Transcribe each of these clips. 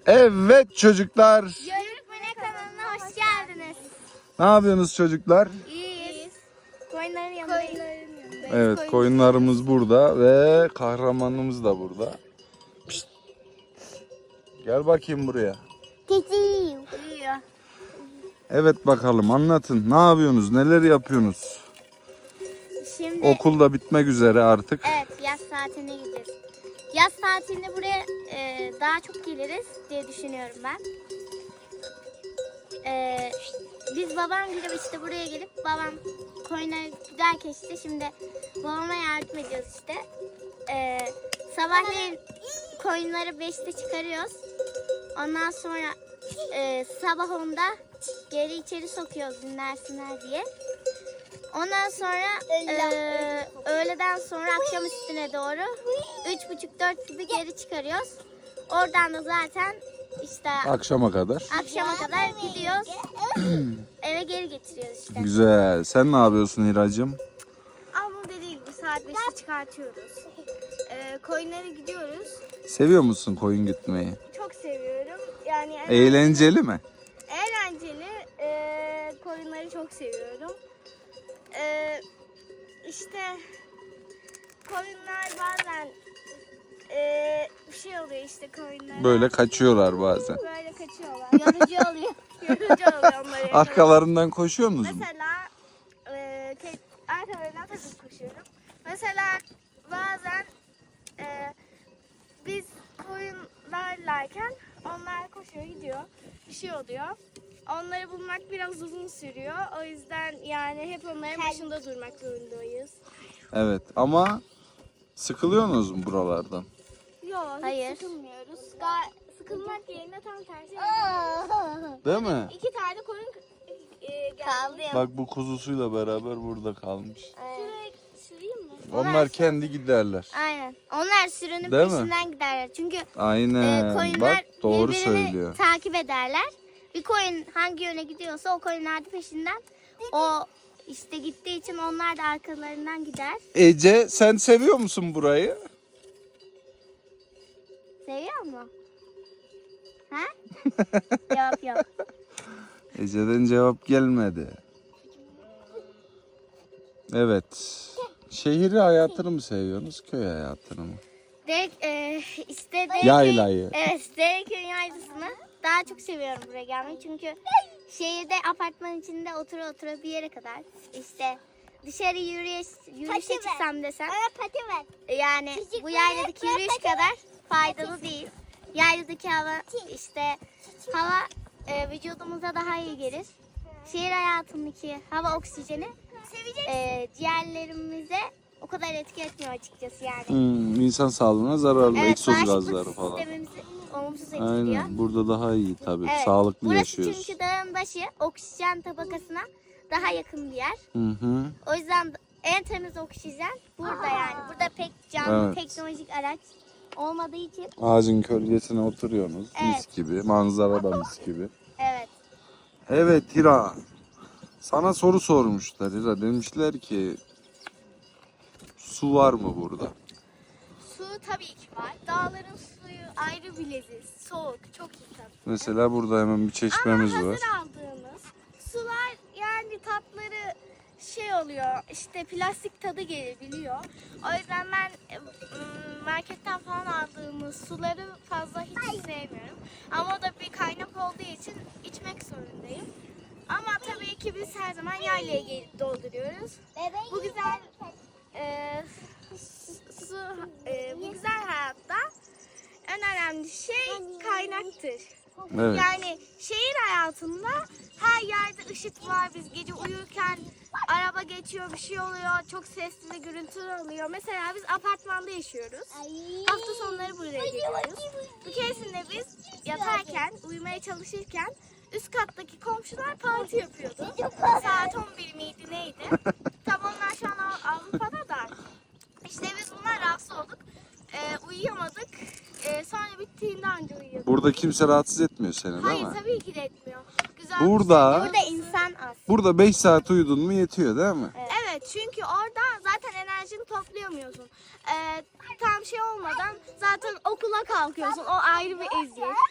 Evet çocuklar. Yörükmene kanalına hoş geldiniz. Ne yapıyorsunuz çocuklar? İyiyiz. Koyunların yanındayız. Evet, koyunlarımız burada ve kahramanımız da burada. Pişt. Gel bakayım buraya. Uyuyor. Evet bakalım anlatın. Ne yapıyorsunuz? Neler yapıyorsunuz? Şimdi Okul da bitmek üzere artık. evet, yaz tatiline gideceğiz. Yaz tatilinde buraya daha çok geliriz diye düşünüyorum ben. Biz babam gibi işte buraya gelip babam koyunlara giderken işte şimdi babama yardım ediyoruz işte. Sabahleyin koyunları 5'te çıkarıyoruz. Ondan sonra sabah 10'da geri içeri sokuyoruz dinlersinler diye. Ondan sonra öğleden sonra akşam üstüne doğru 3.30-4 gibi geri çıkarıyoruz. Oradan da zaten işte Akşama kadar. akşama kadar gidiyoruz. Eve geri getiriyoruz işte. Güzel. Sen ne yapıyorsun Hiracığım? Ablam dediği gibi saat 5'te çıkartıyoruz. Koyunlara gidiyoruz. Seviyor musun koyun gitmeyi? Çok seviyorum. Yani Eğlenceli mi? eğlenceli. Koyunları çok seviyorum. İşte koyunlar bazen bir şey oluyor işte koyunlara. Böyle kaçıyorlar bazen. Böyle kaçıyorlar. Yorucu oluyor. Yorucu oluyor onları. Arkalarından koşuyor musun? Mesela arkalarından tabii koşuyorum. Mesela bazen biz koyunlarlarken onlar koşuyor gidiyor. Bir şey oluyor. Onları bulmak biraz uzun sürüyor. O yüzden yani hep onların başında durmak zorundayız. Evet ama sıkılıyorsunuz mu buralardan? Yok, hiç sıkılmıyoruz. Sıkılmak yerine tam tersi. Değil mi? 2 tane koyun kaldı. Bak bu kuzusuyla beraber burada kalmış. Şuraya süreyim mi? Onlar kendi giderler. Aynen. Onlar sürünün Değil mi? peşinden giderler. Çünkü Aynen. koyunlar Bak doğru birbirini söylüyor. takip ederler. Bir koyun hangi yöne gidiyorsa o koyunlar da peşinden. O işte gittiği için onlar da arkalarından gider. Ece sen seviyor musun burayı? Seviyor mu? Ha? Yok. Ece'den cevap gelmedi. Evet. Şehir hayatını mı seviyorsunuz, köy hayatını mı? Yaylayı. Evet, Dereköy'ün yaylasını daha çok seviyorum buraya gelmeyi. Çünkü şehirde apartman içinde otura bir yere kadar işte dışarı yürüyüşe çıksam desem yani bu yayladaki yürüyüş kadar faydalı değil. Yayladaki hava vücudumuza daha iyi gelir. Şehir hayatındaki hava oksijeni ciğerlerimize o kadar etki etmiyor açıkçası yani. İnsan sağlığına zararlı, egzoz bağışıklık gazları falan. sistemimizi olumsuz etkiliyor. Aynen. Burada daha iyi tabii. Evet, Sağlıklı burası yaşıyoruz. çünkü dağın başı oksijen tabakasına daha yakın bir yer. Hı. O yüzden en temiz oksijen burada yani. Burada pek canlı Evet. teknolojik araç olmadığı için. Ağacın gölgesine oturuyorsunuz. Mis Evet. gibi. Manzara da mis gibi. Evet. Evet Hira. Sana soru sormuşlar Hira. Demişler ki su var mı burada? Su tabii ki var. Dağların suyu ayrı bir leziz. Soğuk, çok iyi tabii. Mesela burada hemen bir çeşmemiz Ama var. hazır aldığımız sular yani tatları şey oluyor işte plastik tadı gelebiliyor. O yüzden ben marketten falan aldığımız suları fazla hiç sevmiyorum. Ama o da bir kaynak olduğu için içmek zorundayım. Ama tabii ki biz her zaman yaylaya gelip dolduruyoruz. Bu güzel bu güzel hayatta en önemli şey kaynaktır. Evet. Yani şehir hayatında her yerde ışık var. Biz gece uyurken araba geçiyor, bir şey oluyor. Çok sesli ve gürültülü oluyor. Mesela biz apartmanda yaşıyoruz. Hafta sonları buraya geliyoruz. Bir keresinde biz yatarken, uyumaya çalışırken üst kattaki komşular parti yapıyordu. Saat 11 miydi neydi? Tam onlar şu an Avrupa'da da. İşte biz bunlar rahatsız olduk. Uyuyamadık. Sonra bittiğinde anca uyuyorduk. Burada kimse rahatsız etmiyor seni değil Hayır mi? tabii ki de etmiyor. Güzel Burada- Burada insan az. Burada 5 saat uyudun mu yetiyor değil mi? Evet çünkü orada zaten enerjini toplayamıyorsun. Tam şey olmadan zaten okula kalkıyorsun. O ayrı bir eziyet.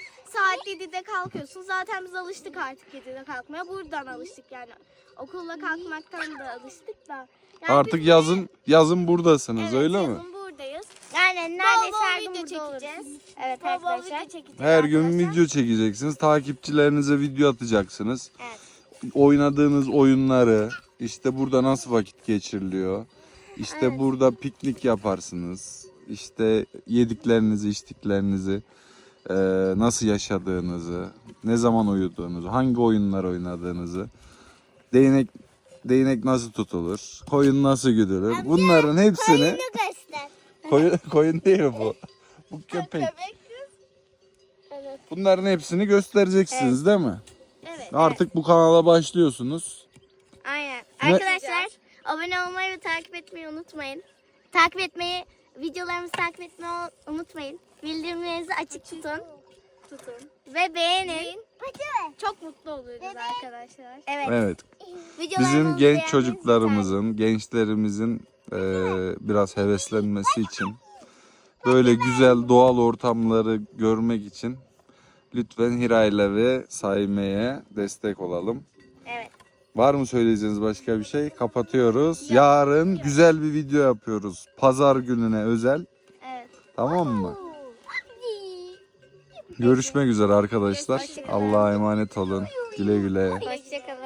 saat 7'de kalkıyorsun. Zaten biz alıştık artık 7'de kalkmaya. Buradan alıştık yani. Okulla kalkmaktan da alıştık da. Yani Artık biz yazın buradasınız evet, öyle mi? yazın buradayız. Yani neredeyse Bol her bol gün video burada çekeceğiz. oluruz. Evet Bol bol arkadaşlar. video çekeceğiz. Her gün arkadaşlar. video çekeceksiniz. Takipçilerinize video atacaksınız. Evet. Oynadığınız oyunları, işte burada nasıl vakit geçiriliyor. İşte Evet. burada piknik yaparsınız. İşte yediklerinizi, içtiklerinizi, nasıl yaşadığınızı, ne zaman uyuduğunuzu, hangi oyunlar oynadığınızı, değnek nasıl tutulur, koyun nasıl güdülür. Bunların hepsini göster. koyun değil bu. Bu köpek. Evet. Bunların hepsini göstereceksiniz değil mi? Evet. Artık bu kanala başlıyorsunuz. Aynen. Ne- Arkadaşlar abone olmayı ve takip etmeyi unutmayın. Takip etmeyi, videolarımızı takip etmeyi unutmayın. Bildirimlerinizi açık tutun. Ve beğenin. Çok mutlu oluruz arkadaşlar. Evet. Evet. Videolarımızı Bizim genç beğenmenizi çocuklarımızın, gençlerimizin biraz heveslenmesi için, böyle güzel doğal ortamları görmek için lütfen Hira'yla ve Saime'ye destek olalım. Evet. Var mı söyleyeceğiniz başka bir şey? Kapatıyoruz. Yarın güzel bir video yapıyoruz. Pazar gününe özel. Evet. Tamam mı? Görüşmek üzere arkadaşlar. Allah'a emanet olun. Güle güle. Hoşçakalın.